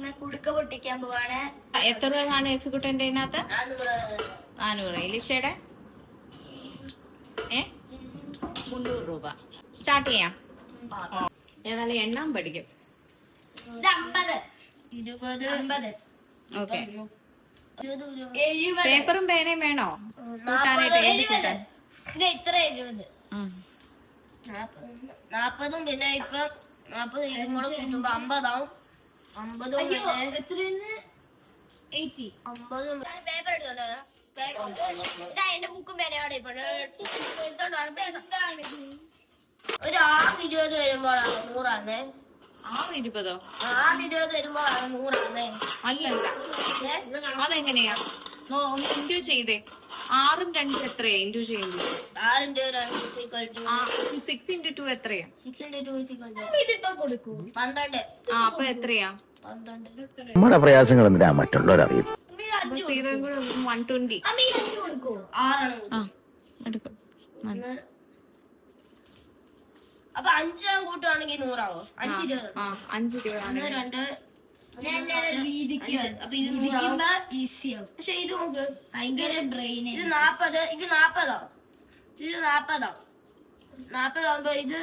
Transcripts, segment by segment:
കുടുക്ക പൊട്ടിക്കാൻ പോവാണ്. എത്ര രൂപയാണ് എഫിക്കുട്ടന്റെ അതിനകത്ത്? 400. ഇലിഷയുടെ 300 രൂപ. സ്റ്റാർട്ട് ചെയ്യാം. ഏതായാലും എണ്ണാൻ പഠിക്കും. ഇത് 50, 20, 50. ഓക്കെ. 70, പേപ്പറും പേനയും വേണോ? 40, 70. ഇത് ഇത്ര 70, 40. പിന്നെ ഇപ്പൊ 40 ഇതും കൂടെ കൂട്ടുമ്പോ 50 ആവും. 50 80. 50 പേപ്പർ എടുത്തോണ്ടോ? എന്റെ ബുക്കും പേനയോടെ ഇപ്പൊ എടുത്തോണ്ടോ? ഒരു 6-20 വരുമ്പോഴാണ് 100. 6-20? 6-20 വരുമ്പോഴാണ് 100. അല്ലല്ല, അതെങ്ങനെയാ? ഇൻഡ്യൂ ചെയ്തേ. 6ഉം 2ഉം എത്രയാ ഇൻഡ്യൂ ചെയ്യുന്നത്? 6 into 2 എത്രയാ? 12. അപ്പൊ എത്രയാ? 12. നമ്മുടെ പ്രയാസങ്ങൾ എന്തിനാ മറ്റുള്ളവരറിയും. 0 കൂടെ 120. എടുക്കും. അപ്പൊ 5 കൂട്ടുവാണെങ്കിൽ 100 ആവോ? 5 2 പക്ഷെ ഇത് നോക്ക്, ഭയങ്കര ബ്രെയിൻ. ഇത് 40, ഇത് 40 ആവും. ഇത് 40 ആവും. 40 ആവുമ്പോ ഇത്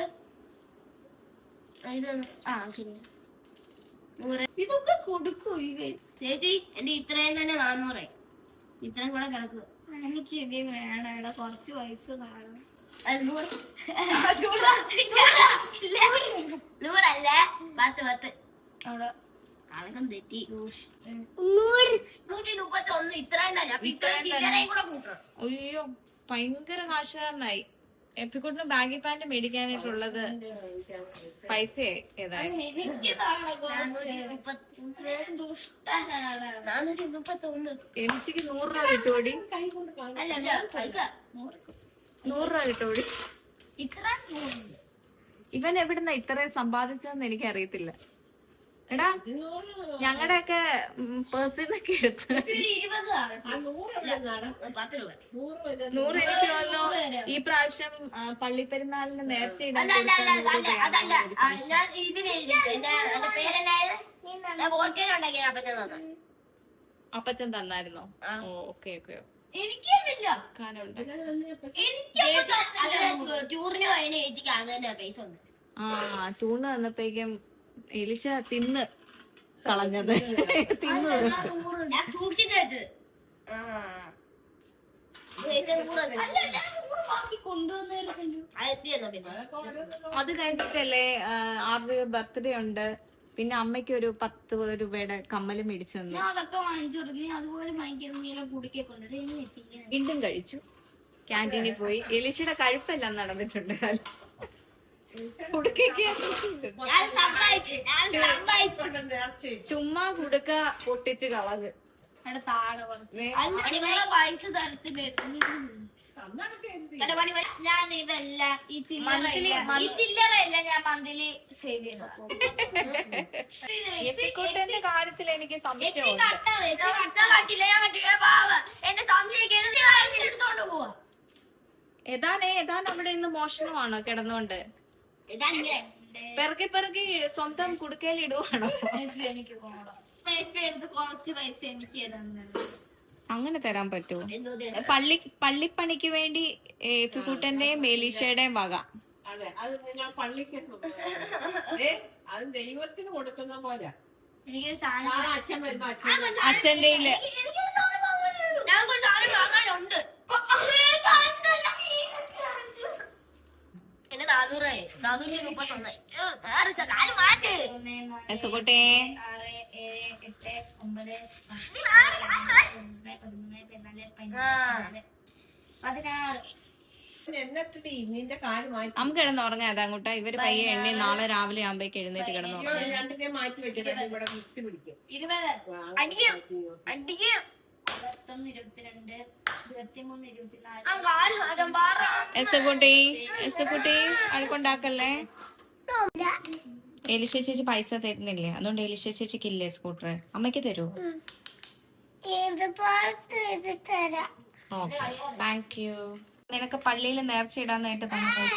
ശരി. ഇതൊക്കെ കൊടുക്കൂ ചേച്ചി. എന്റെ ഇത്രയും തന്നെ 400. ഇത്രയും കൂടെ കിടക്കുക. എനിക്ക് ഇനി വേണം. ഇവിടെ കുറച്ച് പൈസ കാണും. 100 അല്ലേ? 10 അവിടെ കണക്കം തെറ്റി. 131. ഇത്രയും തന്നെ. അപ്പൊ ഇത്രയും ചില്ലറയും കൂടെ കൂട്ടണം. അയ്യോ, ഭയങ്കര കാശുകാരനായി. എപ്പിക്കൂട്ടിന് ബാഗി പാന്റ് മേടിക്കാനായിട്ടുള്ളത് പൈസ ഏതായാലും. എനിക്ക് 100 രൂപ കിട്ടുമോടി? 100 രൂപ കിട്ടുമോടി? ഇവൻ എവിടുന്ന ഇത്രയും സമ്പാദിച്ചതെന്ന് എനിക്ക് അറിയത്തില്ല. എടാ, ഞങ്ങളുടെ ഒക്കെ പേഴ്സിന്നൊക്കെ എടുത്ത് 100 എനിക്ക് തോന്നുന്നു ഈ പ്രാവശ്യം പള്ളിപ്പെരുന്നാളിന് നേർച്ച ഇടാൻ അപ്പച്ചൻ തന്നായിരുന്നോ? Okay okay. ടൂണ് വന്നപ്പോഴേക്കും എലിശ തിന്ന് കളഞ്ഞത്. അത് കഴിഞ്ഞിട്ടല്ലേ 6 രൂപ ബർത്ത്ഡേ ഉണ്ട്. പിന്നെ അമ്മയ്ക്ക് ഒരു 10 രൂപയുടെ കമ്മല് മേടിച്ചു തന്നു. വീണ്ടും കഴിച്ചു. ക്യാൻറ്റീനിൽ പോയി. എലിശയുടെ കഴിപ്പെല്ലാം നടന്നിട്ടുണ്ട്. ചുമ്മാ കുടുക്ക പൊട്ടിച്ച് കളഞ്ഞ് പൈസ തരത്തില്ല. ഞാൻ ഇതെല്ലാം ഈ ചില്ലറയല്ല ഞാൻ മന്ത്ലി സേവ് ചെയ്യുന്ന കാര്യത്തിൽ എനിക്ക് സംശയമുണ്ട്. എന്റെ സംശയം എടുത്തോണ്ട് പോവാ. ഏതാൻ അവിടെ ഇന്ന് മോഷണമാണോ കിടന്നോണ്ട്? പെറുക്കി പെറുക്കി സ്വന്തം കുടുക്കയിൽ ഇടുവാണോ? കുറച്ച് പൈസ എനിക്ക് അങ്ങനെ തരാൻ പറ്റുമോ? പള്ളിപ്പണിക്ക് വേണ്ടി ഫിക്കൂട്ടന്റെയും മേലീഷയുടെയും വക. അത് ദൈവത്തിന് കൊടുക്കുന്ന പോലെ. എനിക്കൊരു സാധനം അച്ഛന്റെ വാങ്ങാനുണ്ട്. എന്റെ 431. മാറ്റ് എസുകുട്ടേ. 6, 7, 8, 9, 10, 11, 12, 13, 14. നമുക്ക് കിടന്നുറങ്ങാം. അതങ്ങോട്ടാ ഇവര് പയ്യെ എണ്ണി നാളെ രാവിലെ ആകുമ്പോഴേക്ക് എഴുന്നേറ്റ് കിടന്നുറങ്ങാം. 20 അടിക്കും 21, 22, 23, 24. എസുകുട്ടി അഴക്കുണ്ടാക്കല്ലേ. എലിശ ചേച്ചി പൈസ തരുന്നില്ലേ? അതുകൊണ്ട് എലിശ ചേച്ചിക്ക് ഇല്ലേ സ്കൂട്ടർ? അമ്മയ്ക്ക് തരൂ. Okay, thank you. നിനക്ക് പള്ളിയിൽ നേർച്ച ഇടാനായിട്ട് തന്നെ പൈസ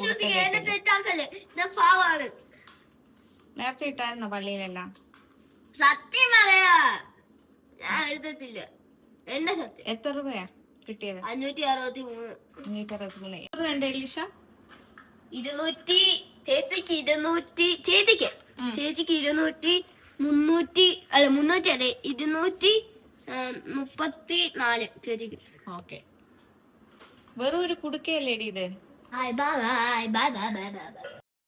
നേർച്ച ഇട്ടായിരുന്നോ പള്ളിയിലെല്ലാം? സത്യം പറയാ, ഞാൻ എഴുതത്തില്ല. എന്റെ സത്യം. എത്ര രൂപയാ കിട്ടിയത്? 563. 563. എത്ര ഉണ്ട് എലീഷ? 200. ചേച്ചിക്ക് 200. ചേച്ചിക്ക് 200. 300 അല്ല 300 അല്ലേ, 234 ചേച്ചിക്ക്. ഓക്കെ. വെറും ഒരു കുടുക്കയല്ലേടി ഇത്? Bye bye bye bye bye bye by.